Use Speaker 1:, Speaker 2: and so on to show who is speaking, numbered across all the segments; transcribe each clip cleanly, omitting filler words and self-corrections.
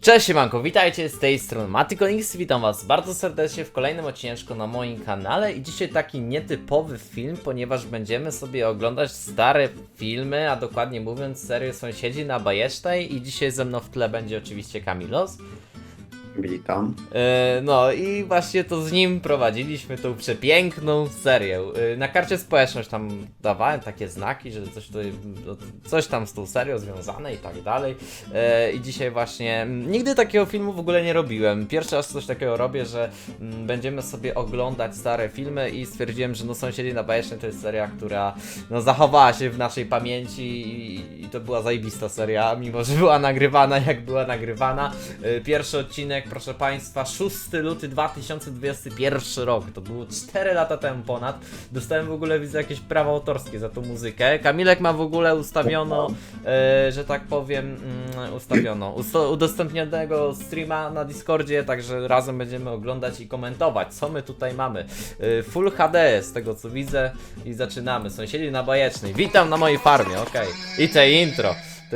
Speaker 1: Cześć siemanko, witajcie z tej strony Matykonix, witam was bardzo serdecznie w kolejnym odcineczku na moim kanale i dzisiaj taki nietypowy film, ponieważ będziemy sobie oglądać stare filmy, a dokładnie mówiąc serię Sąsiedzi na Bajecznej i dzisiaj ze mną w tle będzie oczywiście Kamilos.
Speaker 2: Witam.
Speaker 1: No i właśnie to z nim prowadziliśmy tą przepiękną serię. Na karcie społeczność tam dawałem takie znaki, że coś tam z tą serią związane i tak dalej. I dzisiaj właśnie nigdy takiego filmu w ogóle nie robiłem. Pierwszy raz coś takiego robię, że będziemy sobie oglądać stare filmy i stwierdziłem, że no Sąsiedzi na Bajecznej to jest seria, która no zachowała się w naszej pamięci i to była zajebista seria, mimo że była nagrywana jak była nagrywana. Pierwszy odcinek, proszę Państwa, 6 luty 2021 rok, to było 4 lata temu ponad. Dostałem w ogóle, widzę, jakieś prawa autorskie za tą muzykę. Kamilek ma w ogóle ustawiono, że tak powiem, udostępnionego streama na Discordzie, także razem będziemy oglądać i komentować, co my tutaj mamy. Full HD z tego co widzę i zaczynamy. Sąsiedzi na Bajecznej. Witam na mojej farmie, okej. I te intro, ty.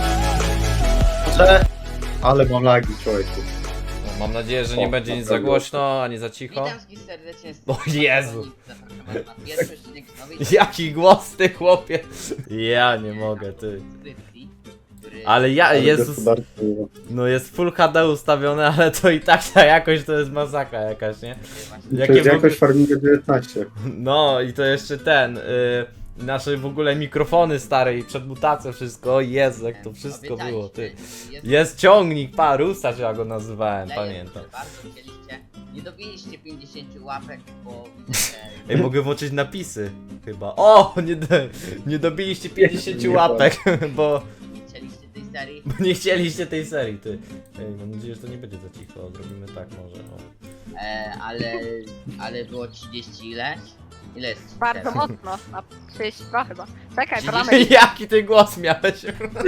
Speaker 2: Ale mam lagi, człowieku.
Speaker 1: No, mam nadzieję, że nie będzie nic za głośno, ani za cicho.
Speaker 3: Witam wszystkich serdecznie.
Speaker 1: O Jezu!
Speaker 3: Zapraszam was na pierwszy odcinek nowej
Speaker 1: Jaki głos ty, chłopie! Ja nie mogę, ty.
Speaker 3: subskrypcji, który...
Speaker 1: Ale ja, Jezus,
Speaker 2: Gospodarstwo.
Speaker 1: no jest Full HD ustawione, ale to i tak ta jakość to jest masakra jakaś, nie?
Speaker 2: To
Speaker 1: Jakie
Speaker 2: jest
Speaker 1: w ogóle...
Speaker 2: jakoś Farminga 19.
Speaker 1: No i to jeszcze nasze w ogóle mikrofony stare i przed mutacją wszystko, o Jezu, jak to wszystko było, ty. Jest ciągnik, Parusa, czy ja go nazywałem, pamiętam.
Speaker 3: Bardzo chcieliście, nie dobiliście 50 łapek, bo widzę, że
Speaker 1: Ej, mogę włączyć napisy, chyba. O, nie dobiliście 50 łapek, bo...
Speaker 3: nie chcieliście tej serii.
Speaker 1: Bo nie chcieliście tej serii, ty. Ej, mam nadzieję, że to nie będzie za cicho. Zrobimy tak może. O.
Speaker 3: Ale było 30 ileś? Ile jest?
Speaker 4: Bardzo mocno, na 32 chyba. Czekaj, to mamy...
Speaker 1: Jaki ty głos miałeś?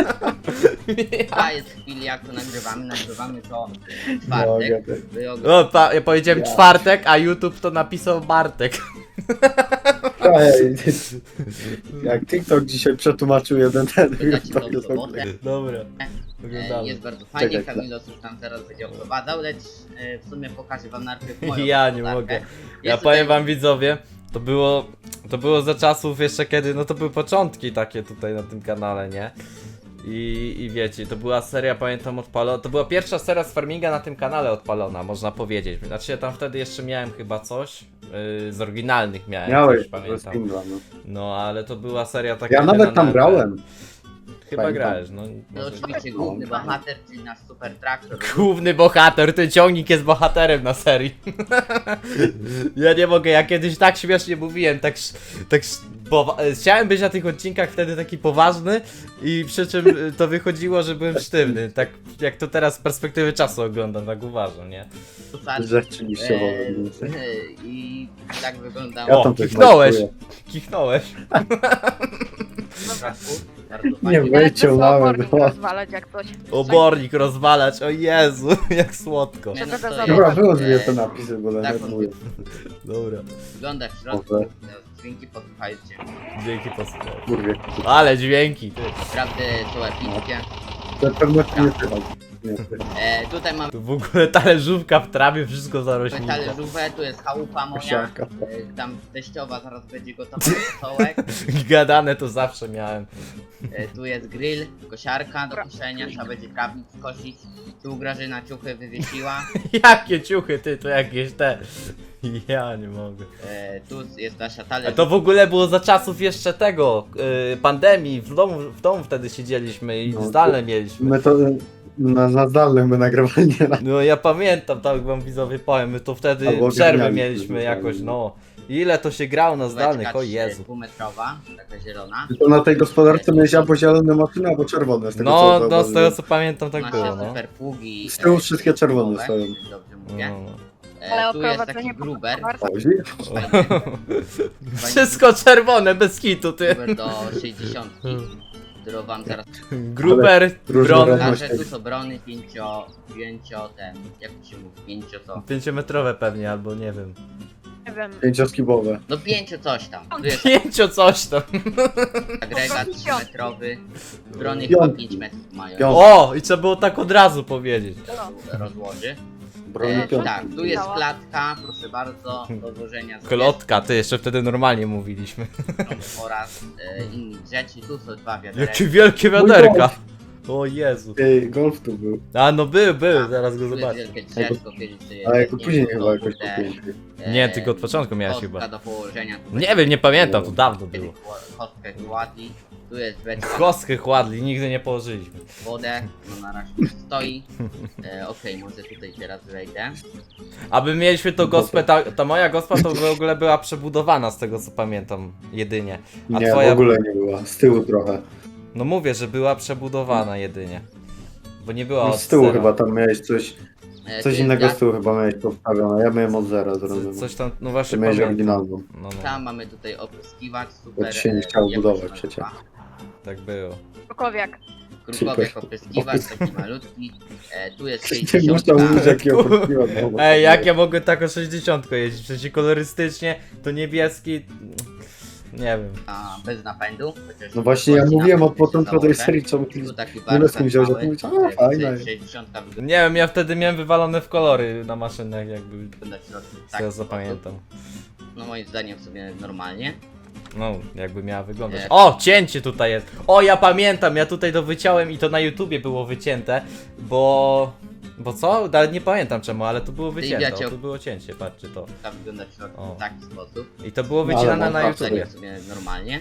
Speaker 3: A jest chwili jak to nagrywamy to w czwartek. Wy
Speaker 1: O, ja powiedziałem czwartek, a YouTube to napisał Bartek.
Speaker 2: Ej, jak TikTok dzisiaj przetłumaczył jeden ten,
Speaker 3: Wydacie
Speaker 2: to
Speaker 3: to
Speaker 2: jest
Speaker 3: w sobotę.
Speaker 1: Dobra. Oglądamy.
Speaker 3: Jest bardzo fajnie,
Speaker 2: Czekaj,
Speaker 3: Kamilos już tam teraz będzie oprowadzał, lecz w sumie pokażę wam najpierw moją
Speaker 1: Ja nie
Speaker 3: gospodarkę.
Speaker 1: mogę. Ja
Speaker 3: Jest
Speaker 1: powiem
Speaker 3: tutaj-
Speaker 1: wam widzowie, to było za czasów jeszcze kiedy, no to były początki takie tutaj na tym kanale, nie? I wiecie, to była seria, pamiętam, odpalona. To była pierwsza seria z farminga na tym kanale odpalona, można powiedzieć. Znaczy ja tam wtedy jeszcze miałem chyba coś, z oryginalnych miałem
Speaker 2: Miałeś,
Speaker 1: coś, pamiętam.
Speaker 2: Spindla, no.
Speaker 1: No ale to była seria taka.
Speaker 2: Ja nawet tam grałem.
Speaker 1: Chyba
Speaker 2: Pamiętam.
Speaker 1: grałeś, no.
Speaker 3: No
Speaker 1: Może...
Speaker 3: oczywiście główny bohater, czyli nasz super traktor.
Speaker 1: Główny bohater, ten ciągnik jest bohaterem na serii. Ja nie mogę, ja kiedyś tak śmiesznie mówiłem, chciałem być na tych odcinkach wtedy taki poważny i przy czym to wychodziło, że byłem sztywny, tak jak to teraz z perspektywy czasu oglądam, tak uważam, nie?
Speaker 2: Rzeczywiście
Speaker 3: I tak wyglądało.
Speaker 2: Ja
Speaker 1: O,
Speaker 2: tam też
Speaker 1: kichnąłeś,
Speaker 2: majstuję.
Speaker 1: kichnąłeś.
Speaker 3: Bardzo
Speaker 2: Nie
Speaker 3: fajnie.
Speaker 2: wiem. Wyciągnąłem,
Speaker 4: obornik
Speaker 2: no.
Speaker 4: rozwalać jak coś.
Speaker 1: Obornik rozwalać, o Jezu, jak słodko.
Speaker 3: Nie, no,
Speaker 4: Dobra,
Speaker 3: to
Speaker 2: Dobra,
Speaker 3: jest,
Speaker 2: było dwie te napisy, bo
Speaker 3: tak,
Speaker 2: nawet mówię.
Speaker 1: Dobra,
Speaker 3: wygląda w środku.
Speaker 2: Dobra.
Speaker 3: Dźwięki posłuchajcie.
Speaker 1: dzięki posłuchaj.
Speaker 2: Kurwie.
Speaker 1: Ale dźwięki, ty.
Speaker 3: Naprawdę są epickie.
Speaker 2: To pewno nie słychać. Nie.
Speaker 3: Tutaj mamy
Speaker 1: Tu w ogóle talerzówka w trawie, wszystko zarośnięte.
Speaker 3: talerzówę, tu jest chałupa moja.
Speaker 2: Kosiarka.
Speaker 3: Tam teściowa zaraz będzie gotowa do sołek.
Speaker 1: Gadane to zawsze miałem.
Speaker 3: Tu jest grill, kosiarka do koszenia, trzeba będzie trawnik skosić. Tu Grażyna ciuchy wywiesiła.
Speaker 1: Jakie ciuchy, ty, to jakieś te. Ja nie mogę.
Speaker 3: Tu jest nasza
Speaker 1: A
Speaker 3: talerz.
Speaker 1: to w ogóle było za czasów jeszcze tego, pandemii, w domu wtedy siedzieliśmy i
Speaker 2: No,
Speaker 1: zdalne mieliśmy.
Speaker 2: My to na zdalnym my nagrywali nieraz.
Speaker 1: No ja pamiętam, tak wam widzowie powiem, my to wtedy
Speaker 2: Albo
Speaker 1: przerwy
Speaker 2: grali
Speaker 1: mieliśmy
Speaker 2: zdalnie.
Speaker 1: jakoś, no. Ile to się grało na zdalnych, o Jezu.
Speaker 3: Półmetrowa, taka zielona.
Speaker 2: To na tej gospodarce miałeś albo zielone maszyny, albo czerwone. Z tego,
Speaker 1: No,
Speaker 2: co
Speaker 1: no z tego
Speaker 2: zauważyłem.
Speaker 1: co pamiętam tak
Speaker 3: Nasze
Speaker 1: było, no.
Speaker 3: super pługi.
Speaker 2: Z tyłu wszystkie czerwone
Speaker 3: zimowe,
Speaker 2: stoją.
Speaker 3: jeśli dobrze mówię.
Speaker 1: No, no.
Speaker 4: Ale
Speaker 3: Tu jest taki
Speaker 4: oprowadzenie
Speaker 3: gruber.
Speaker 2: Ozi?
Speaker 1: Wszystko czerwone, bez kitu, ty.
Speaker 3: Gruber do 60. Którą wam zaraz
Speaker 1: Gruber,
Speaker 2: różne
Speaker 1: bron,
Speaker 2: rodne.
Speaker 3: pokażę. Tu są brony jak to się mówi, 5 co?
Speaker 1: 5-metrowe pewnie, albo nie wiem.
Speaker 4: Nie wiem.
Speaker 2: Pięcioskibowe.
Speaker 3: No 5 coś tam. Tu jest
Speaker 1: Pięcio coś tam.
Speaker 3: agregat 3-metrowy. Drony
Speaker 2: Piątki.
Speaker 3: chyba 5 metrów mają.
Speaker 2: Piątki.
Speaker 1: O, i trzeba było tak od razu powiedzieć.
Speaker 4: No.
Speaker 3: Rozłoży.
Speaker 2: Broni
Speaker 4: E,
Speaker 2: piątki.
Speaker 3: Tak, tu jest klatka, proszę bardzo, do złożenia zwierząt
Speaker 1: Klotka, ty jeszcze wtedy normalnie mówiliśmy.
Speaker 3: oraz innych rzeczy. Tu są 2 wiaderka.
Speaker 1: Jakie wielkie wiaderka. O Jezu.
Speaker 2: Ej, golf tu był.
Speaker 1: A no był, zaraz go
Speaker 3: Tu jest
Speaker 1: zobaczę.
Speaker 3: wielkie drzewko, kiedyś sobie
Speaker 2: Ale jako
Speaker 3: nie
Speaker 2: później
Speaker 3: było,
Speaker 2: chyba jakoś
Speaker 3: kurde,
Speaker 2: popiękny.
Speaker 1: Nie, tylko od początku miałeś
Speaker 3: kostka
Speaker 1: chyba.
Speaker 3: do położenia. Tu
Speaker 1: Nie wiem, nie pamiętam, to dawno
Speaker 3: kiedyś
Speaker 1: było.
Speaker 3: kostkę kładli. Tu jest beczka na
Speaker 1: Kostkę chładli, nigdy nie położyliśmy.
Speaker 3: wodę, no na razie stoi. Okej, może tutaj teraz wejdę.
Speaker 1: Aby mieliśmy to gospę, ta moja gospa to w ogóle była przebudowana z tego co pamiętam, jedynie. A
Speaker 2: Nie,
Speaker 1: twoja...
Speaker 2: w ogóle nie była. Z tyłu trochę.
Speaker 1: No mówię, że była przebudowana jedynie. Bo nie była
Speaker 2: No,
Speaker 1: od
Speaker 2: z tyłu
Speaker 1: zera.
Speaker 2: chyba tam miałeś coś
Speaker 3: Tu
Speaker 2: Coś
Speaker 3: jest
Speaker 2: innego
Speaker 3: gaz.
Speaker 2: z tyłu chyba miałeś postawione, ja miałem od zera zrobione.
Speaker 1: Coś tam, no
Speaker 2: Ty
Speaker 1: właśnie
Speaker 2: miałeś
Speaker 1: pamiętam.
Speaker 2: oryginalną.
Speaker 1: No,
Speaker 3: Tam mamy tutaj opryskiwacz, super.
Speaker 2: Bo ci się nie chciało budować przecież.
Speaker 1: tak było.
Speaker 4: Krukowiak.
Speaker 3: Krukowiak opryskiwacz, taki malutki. Tu jest
Speaker 2: Nie
Speaker 3: 60.
Speaker 2: można mówić jakiego podpiła.
Speaker 1: Ej, jak ja mogę tak o 60 jeździć? Przecież kolorystycznie to niebieski... Nie wiem.
Speaker 3: Bez napędu. chociaż
Speaker 2: No właśnie ja mówiłem od początku tej
Speaker 3: założę.
Speaker 2: serii, czemu ty
Speaker 3: Tu taki
Speaker 2: nie z kim wziąłeś, ja
Speaker 3: mały,
Speaker 2: mówię, a fajne.
Speaker 3: 60 wygląda
Speaker 1: Nie wiem, ja wtedy miałem wywalone w kolory na maszynach, jakby
Speaker 3: w środku
Speaker 1: z
Speaker 3: tak.
Speaker 1: tego zapamiętam.
Speaker 3: No moim zdaniem sobie normalnie.
Speaker 1: No, jakby miała wyglądać.
Speaker 3: Nie.
Speaker 1: O, cięcie tutaj jest. O, ja pamiętam, ja tutaj to wyciąłem i to na YouTubie było wycięte, bo... Bo co? Nawet nie pamiętam czemu, ale to było wycięte.
Speaker 3: wiecie,
Speaker 1: O, tu było cięcie, patrzcie to.
Speaker 3: Tak wygląda w środku
Speaker 1: O.
Speaker 3: w taki sposób.
Speaker 1: I to było
Speaker 2: No, ale
Speaker 1: wycinane
Speaker 2: można
Speaker 1: na
Speaker 3: Moim
Speaker 1: YouTubie.
Speaker 3: zdaniem sobie normalnie.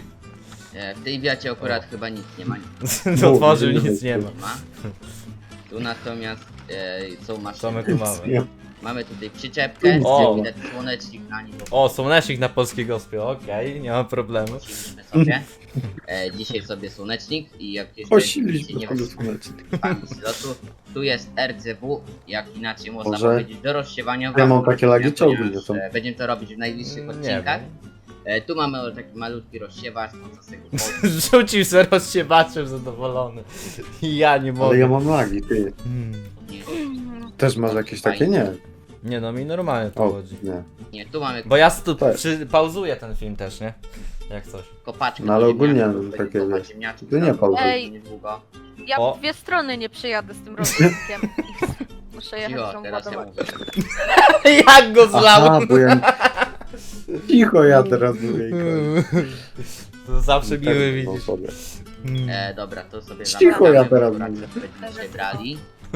Speaker 3: W tej wiacie akurat chyba nic nie ma.
Speaker 1: Otworzył,
Speaker 2: widzimy,
Speaker 1: nic nie ma.
Speaker 3: Nie ma. Tu natomiast są
Speaker 1: Co my
Speaker 3: maszyny.
Speaker 1: tu mamy?
Speaker 2: Nie.
Speaker 3: Mamy tutaj przyczepkę,
Speaker 1: O.
Speaker 3: widać słonecznik na nim, bo
Speaker 1: O, słonecznik na polskiej gospie, okej, nie ma problemu.
Speaker 3: posiliśmy sobie. Dzisiaj sobie słonecznik i jak jeszcze
Speaker 2: Posiliśmy
Speaker 3: nie
Speaker 2: sobie słonecznik.
Speaker 3: wysypamy z lotu, tu jest RCW, jak inaczej można
Speaker 2: Może-
Speaker 3: powiedzieć, do rozsiewania
Speaker 2: Ja mam
Speaker 3: wam,
Speaker 2: takie lagi, czy ogólnie
Speaker 3: ponieważ,
Speaker 2: są?
Speaker 3: Będziemy to robić w najbliższych
Speaker 1: Nie
Speaker 3: odcinkach.
Speaker 1: wiem.
Speaker 3: Tu mamy taki malutki rozsiewacz, można sobie go
Speaker 1: Rzucił se rozsiewaczem zadowolony. I ja nie mogę.
Speaker 2: Ale ja mam lagi, ty.
Speaker 3: podnieść.
Speaker 2: Też masz jakieś takie? Nie.
Speaker 1: Nie no, mi normalnie to
Speaker 2: O,
Speaker 1: chodzi.
Speaker 2: nie.
Speaker 3: Nie, tu mamy
Speaker 1: Bo ja tu
Speaker 2: Tak.
Speaker 1: pauzuję ten film też, nie? Jak coś.
Speaker 3: kopaczkę.
Speaker 2: No ale
Speaker 3: do
Speaker 2: ogólnie
Speaker 3: ziemniaków,
Speaker 2: takie
Speaker 3: będziemy kopać
Speaker 2: wiesz.
Speaker 3: ziemniaczki,
Speaker 2: To nie
Speaker 3: tam
Speaker 2: pauzuj.
Speaker 4: Ej.
Speaker 3: niedługo.
Speaker 4: Ja
Speaker 1: O.
Speaker 4: w dwie strony nie przyjadę z tym rozwójkiem. Muszę jechać
Speaker 3: Cicho,
Speaker 4: tą
Speaker 3: teraz ja
Speaker 4: ładować.
Speaker 3: mówię.
Speaker 1: Jak go zlał!
Speaker 2: Aha, bo ja... Cicho ja teraz mówię.
Speaker 1: To zawsze miły
Speaker 2: No,
Speaker 1: widzisz.
Speaker 2: sobie.
Speaker 3: Dobra, to sobie
Speaker 2: Cicho, ja
Speaker 3: zamykamy, bo
Speaker 2: teraz
Speaker 3: akurat
Speaker 2: mówię.
Speaker 3: będziemy dzisiaj brali.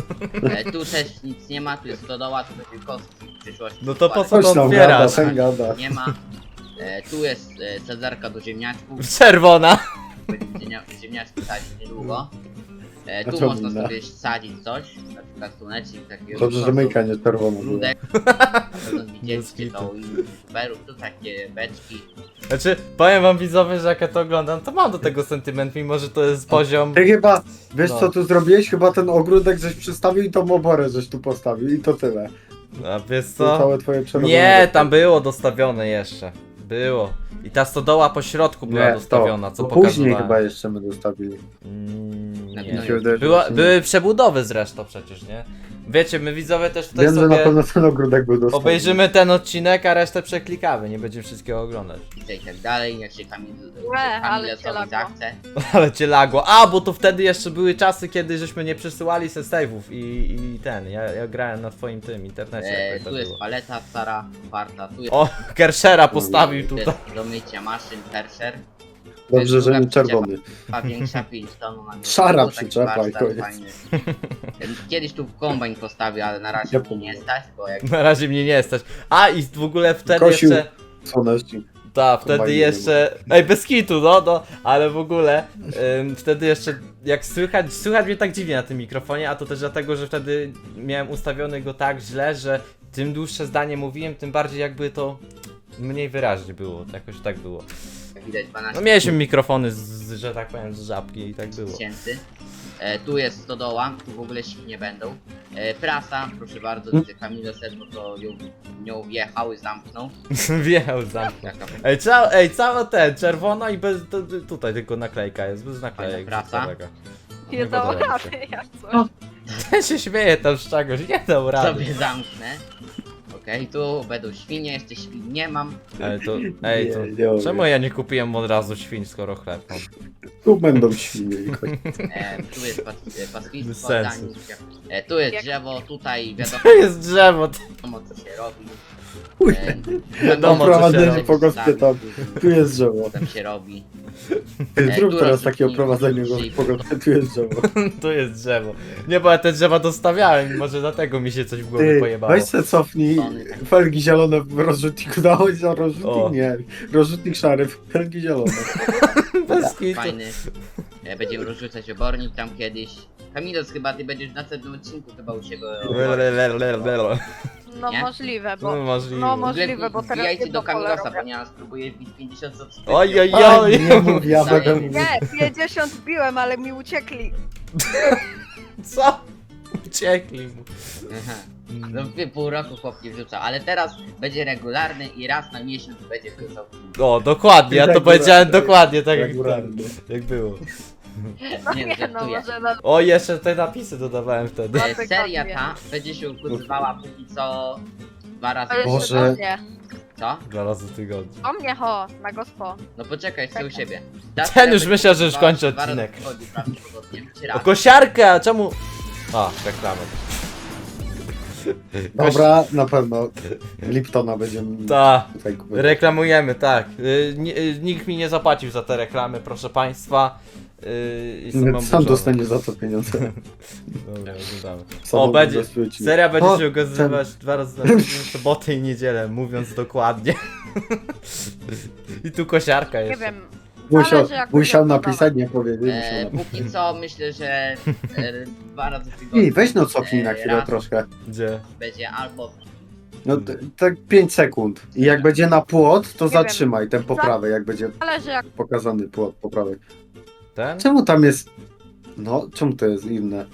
Speaker 3: Tu też nic nie ma, tu jest stodoła, tu będzie kostki w przyszłości.
Speaker 1: No to po co
Speaker 2: Coś
Speaker 1: to
Speaker 2: tam
Speaker 1: otwierasz?
Speaker 2: gada, ten gada.
Speaker 3: Nie ma. Tu jest cezarka do ziemniaczków,
Speaker 1: Czerwona!
Speaker 3: będziemy ziemniaczki sadzić niedługo.
Speaker 2: A
Speaker 3: Tu
Speaker 2: co
Speaker 3: można
Speaker 2: inne?
Speaker 3: sobie sadzić coś, na przykład słonecznik, takiego
Speaker 2: Dobrze, że myjka nie czerwona była.
Speaker 3: ludek. Na pewno widzieliście
Speaker 1: Bez
Speaker 3: to u innych youtuberów, tu takie beczki.
Speaker 1: Znaczy, powiem wam widzowie, że jak ja to oglądam, to mam do tego sentyment, mimo że to jest poziom...
Speaker 2: Ty chyba, wiesz
Speaker 1: No.
Speaker 2: co tu zrobiłeś? Chyba ten ogródek żeś przystawił i tą oborę żeś tu postawił i to tyle.
Speaker 1: A wiesz
Speaker 2: To
Speaker 1: co?
Speaker 2: całe twoje czerwone.
Speaker 1: Nie, tam było dostawione jeszcze. Było. I ta stodoła po środku była dostawiona, co
Speaker 2: to później
Speaker 1: pokazywałem.
Speaker 2: chyba jeszcze my dostawili.
Speaker 3: Na
Speaker 1: Nie.
Speaker 3: pewno
Speaker 2: Mi się wydaje, że
Speaker 1: Była,
Speaker 2: właśnie-
Speaker 1: były przebudowy zresztą przecież, nie? Wiecie, my widzowie też tutaj
Speaker 2: Wiem, że na
Speaker 1: sobie
Speaker 2: pewno ten ogródek był dostawiony.
Speaker 1: obejrzymy ten odcinek, a resztę przeklikamy, nie będziemy wszystkiego oglądać.
Speaker 3: i tak dalej, jak się
Speaker 4: ale
Speaker 3: Kamil
Speaker 4: cię lagło.
Speaker 3: zachce.
Speaker 1: Ale cię lagło. A, bo to wtedy jeszcze były czasy, kiedy żeśmy nie przesyłali se save'ów i ten, ja grałem na twoim tym internecie, jak to
Speaker 3: Tu jest
Speaker 1: było.
Speaker 3: paleta stara, warta, tu jest
Speaker 1: O, Kershera postawił tutaj.
Speaker 3: do mycia maszyn, Kersher.
Speaker 2: Dobrze, że nie
Speaker 3: druga
Speaker 2: czerwony.
Speaker 3: A większa 5 ton na
Speaker 2: Szara
Speaker 3: taki
Speaker 2: przyczepa i
Speaker 3: warsztat
Speaker 2: koniec.
Speaker 3: fajny. Kiedyś tu kombajn postawił, ale na razie
Speaker 2: Ja
Speaker 3: mnie nie
Speaker 2: pomogę.
Speaker 3: stać, bo jak
Speaker 1: Na razie mnie nie stać. A, i w ogóle wtedy
Speaker 2: Kosił.
Speaker 1: jeszcze...
Speaker 2: Słonecznik.
Speaker 1: Tak, wtedy
Speaker 2: Kombajnu
Speaker 1: jeszcze. Ej, bez kitu, no, ale w ogóle wtedy jeszcze jak słychać mnie tak dziwnie na tym mikrofonie, a to też dlatego, że wtedy miałem ustawiony go tak źle, że tym dłuższe zdanie mówiłem, tym bardziej jakby to mniej wyraźnie było. Jakoś tak było.
Speaker 3: widać 12
Speaker 1: No mieliśmy mikrofony że tak powiem, z żabki i tak było.
Speaker 3: tysięcy. Tu jest stodoła, tu w ogóle nie będą. Prasa, proszę bardzo, widzę Kamilo Sedno to nią wjechał i zamknął.
Speaker 1: Wjechał zamknął.
Speaker 3: Jaka
Speaker 1: Całe te, czerwona i bez, tutaj tylko naklejka jest, bez naklejek.
Speaker 3: Fajna prasa.
Speaker 1: całego.
Speaker 4: Nie
Speaker 1: podoba
Speaker 4: dał
Speaker 1: mi się.
Speaker 4: rady, jak coś.
Speaker 1: Ten się śmieje tam z czegoś, nie dał rady.
Speaker 3: sobie zamknę. Okej, tu będą świnie, jeszcze świn nie mam.
Speaker 1: Ej, to...
Speaker 2: Nie,
Speaker 1: Czemu ja nie kupiłem od razu świń, skoro chleb mam?
Speaker 2: Tu będą świnie.
Speaker 3: Tu jest pastwistwo,
Speaker 1: Bez sensu.
Speaker 3: danik. Tu jest
Speaker 4: Jak-
Speaker 3: drzewo, tutaj wiadomo
Speaker 1: To jest drzewo,
Speaker 3: co się robi.
Speaker 1: Wiadomo, co się
Speaker 2: Oprowadzenie
Speaker 1: robi.
Speaker 2: po gospie tu jest drzewo.
Speaker 3: Tam się robi.
Speaker 2: Zrób
Speaker 3: tu
Speaker 2: teraz takie
Speaker 3: rozrzucnij-
Speaker 2: oprowadzenie
Speaker 3: rozrzucnij-
Speaker 2: po gospie, tu jest drzewo.
Speaker 1: tu jest drzewo. Nie, bo ja te drzewa dostawiałem, może dlatego mi się coś w głowie
Speaker 2: Ty,
Speaker 1: pojebało.
Speaker 2: weź se cofnij, felgi zielone w rozrzutniku dałeś, a
Speaker 1: O.
Speaker 2: rozrzutnik nie. Rozrzutnik szary, felgi zielone.
Speaker 1: Bez kitu.
Speaker 3: Fajny. Będziemy rozrzucać obornik tam kiedyś. Kamilos, chyba ty będziesz w następnym odcinku chyba u siebie.
Speaker 4: No
Speaker 3: Nie?
Speaker 4: możliwe, bo...
Speaker 1: No możliwe.
Speaker 4: No możliwe, bo teraz
Speaker 3: Wbijajcie
Speaker 4: jedno
Speaker 3: do
Speaker 4: pole
Speaker 3: Kamilosa,
Speaker 4: robię.
Speaker 3: ponieważ spróbuję wbić 50 subskrypcji.
Speaker 1: Oj, oj,
Speaker 2: Oj,
Speaker 1: oj.
Speaker 2: nie mów, ja
Speaker 3: Daję.
Speaker 2: będę mówił.
Speaker 4: Nie, 50 biłem, ale mi uciekli.
Speaker 1: Co? Uciekli mu.
Speaker 3: Aha. No pół roku chłop nie wrzucał, ale teraz będzie regularny i raz na miesiąc będzie wrzucał.
Speaker 1: O, dokładnie, ja to powiedziałem dokładnie tak jak, jak było.
Speaker 4: No
Speaker 3: Nie,
Speaker 4: nie, no
Speaker 3: żartuję.
Speaker 4: może na...
Speaker 1: O, jeszcze te napisy dodawałem wtedy.
Speaker 4: Bartek
Speaker 3: Seria
Speaker 4: wie.
Speaker 3: ta będzie się ukazywała póki co 2 razy.
Speaker 4: To jeszcze
Speaker 2: Boże.
Speaker 4: do mnie.
Speaker 3: Co?
Speaker 1: 2 razy w tygodniu.
Speaker 4: O mnie ho, na gospo.
Speaker 3: No poczekaj, chcę u
Speaker 4: Czekaj.
Speaker 3: siebie.
Speaker 1: Ten już myślał, że już kończy
Speaker 3: Dwa razy
Speaker 1: odcinek.
Speaker 3: w tygodniu prawdopodobnie, czy
Speaker 1: O,
Speaker 3: raz.
Speaker 1: kosiarkę, a czemu? A, reklamy.
Speaker 2: Dobra, na pewno Liptona będziemy
Speaker 1: Ta,
Speaker 2: tutaj kupować.
Speaker 1: reklamujemy, tak. Nikt mi nie zapłacił za te reklamy, proszę państwa. I
Speaker 2: Sam
Speaker 1: oburzony.
Speaker 2: dostanie za to pieniądze.
Speaker 1: Dobra, oglądamy.
Speaker 2: Sam
Speaker 1: O, będzie.
Speaker 2: ubezpieczy.
Speaker 1: Seria będzie
Speaker 2: O,
Speaker 1: się ukazywać 2 razy na tydzień, w sobotę i niedzielę, mówiąc dokładnie. I tu kosiarka
Speaker 4: Nie
Speaker 1: jest.
Speaker 4: wiem.
Speaker 2: Musiał,
Speaker 4: Zależy, jak
Speaker 2: musiał
Speaker 4: będzie
Speaker 2: napisać, nie powiedzieć. Musiał napisać.
Speaker 3: Póki co myślę, że 2 razy w tygodniu.
Speaker 2: Ej, weź no cofnij na chwilę
Speaker 3: raz
Speaker 2: troszkę.
Speaker 1: Gdzie?
Speaker 3: Będzie albo
Speaker 2: No tak 5 sekund. I jak będzie na płot, to
Speaker 4: Nie
Speaker 2: zatrzymaj ten poprawę, jak będzie
Speaker 4: Zależy jak...
Speaker 2: pokazany płot poprawek.
Speaker 1: Ten?
Speaker 2: Czemu tam jest... No, czemu to jest inne?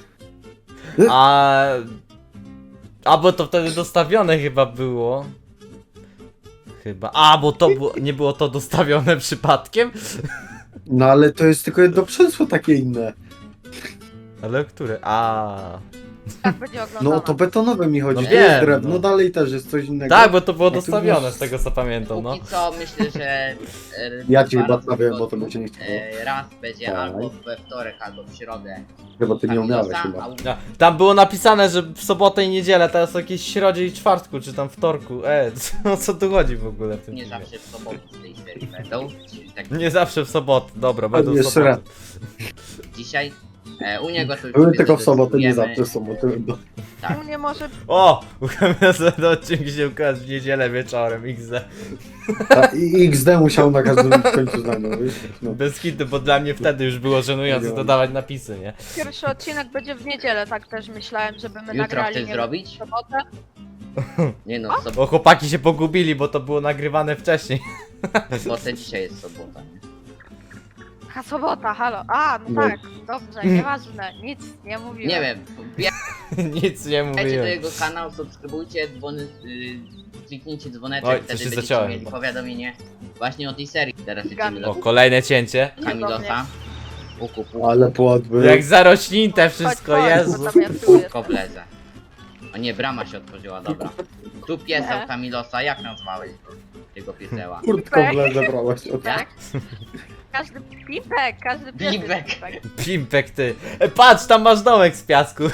Speaker 1: A bo to wtedy dostawione chyba było. Chyba. A, bo to nie było to dostawione przypadkiem?
Speaker 2: No ale to jest tylko jedno przęsło takie inne.
Speaker 1: Ale które? A.
Speaker 4: Jak będzie oglądane.
Speaker 2: No to betonowe mi chodzi.
Speaker 1: No
Speaker 2: to jest
Speaker 1: wiem,
Speaker 2: drewno,
Speaker 1: no.
Speaker 2: dalej też jest coś innego.
Speaker 1: Tak, bo to było
Speaker 2: No tu
Speaker 1: dostawione
Speaker 2: masz-
Speaker 1: z tego co pamiętam, no.
Speaker 3: póki co myślę, że
Speaker 2: Ja ci
Speaker 3: 2
Speaker 2: chyba
Speaker 3: razy w
Speaker 2: stawiam, bo to
Speaker 3: tygodniu,
Speaker 2: będzie nie chciało.
Speaker 3: raz będzie
Speaker 2: Tak.
Speaker 3: albo we wtorek, albo w środę.
Speaker 2: Chyba ty nie umiałeś
Speaker 3: Kamilosa,
Speaker 2: chyba.
Speaker 3: a u-
Speaker 1: Tam było napisane, że w sobotę i niedzielę, teraz o jakiejś środzie i czwartku, czy tam wtorku. O co tu chodzi w ogóle w tym
Speaker 3: nie
Speaker 1: filmie?
Speaker 3: zawsze w sobotę z tej serii będą. Tak
Speaker 1: Nie zawsze w sobotę, dobra, będą w
Speaker 2: jeszcze
Speaker 1: sobotę.
Speaker 2: raz.
Speaker 3: dzisiaj. U niego to już
Speaker 2: Były
Speaker 3: sobie
Speaker 2: tylko w sobotę, nie
Speaker 3: zadecydujemy.
Speaker 2: zawsze w sobotę będą.
Speaker 3: Tak.
Speaker 4: U mnie może...
Speaker 1: O! Ukamiazany odcinek się ukazał w niedzielę wieczorem, XD.
Speaker 2: I XD musiał na każdym końcu zdania, wiesz? No.
Speaker 1: Bez kitu, bo dla mnie wtedy już było żenujące
Speaker 2: Nie
Speaker 1: dodawać napisy, nie?
Speaker 4: Pierwszy odcinek będzie w niedzielę, tak też myślałem, żeby my
Speaker 3: Jutro
Speaker 4: nagrali
Speaker 3: chcesz
Speaker 4: nie
Speaker 3: zrobić?
Speaker 4: w sobotę.
Speaker 3: Nie no, w
Speaker 1: Bo chłopaki się pogubili, bo to było nagrywane wcześniej.
Speaker 3: sobotę dzisiaj jest sobota. Nie?
Speaker 4: A sobota, halo. A, no
Speaker 2: No.
Speaker 4: tak, dobrze, nieważne, nic nie mówiłem.
Speaker 3: Nie wiem,
Speaker 1: Nic nie
Speaker 3: wbijajcie do
Speaker 1: mówiłem.
Speaker 3: jego kanał, subskrybujcie, kliknijcie dzwoneczek,
Speaker 1: Oj, coś
Speaker 3: wtedy
Speaker 1: się
Speaker 3: będziecie
Speaker 1: zaciąłem.
Speaker 3: mieli powiadomienie właśnie o tej serii. Teraz lecimy
Speaker 1: O,
Speaker 3: do
Speaker 1: kolejne cięcie.
Speaker 3: Kamilosa. Puku,
Speaker 2: Ale płot był.
Speaker 1: Jak zarośnięte wszystko,
Speaker 4: Chodź,
Speaker 1: Jezu.
Speaker 4: bo tam ja tu jestem.
Speaker 3: koblezę. O nie, brama się otworzyła, dobra. Tu pieseł
Speaker 4: Nie.
Speaker 3: Kamilosa, jak nazwałeś tego pieseła?
Speaker 2: Kurtką w le zabrałaś od...
Speaker 3: Tak?
Speaker 4: Tak? Każdy pimpek, każdy pies jest
Speaker 3: Pimpek.
Speaker 4: pimpek.
Speaker 1: Pimpek ty. Patrz, tam masz domek z piasku.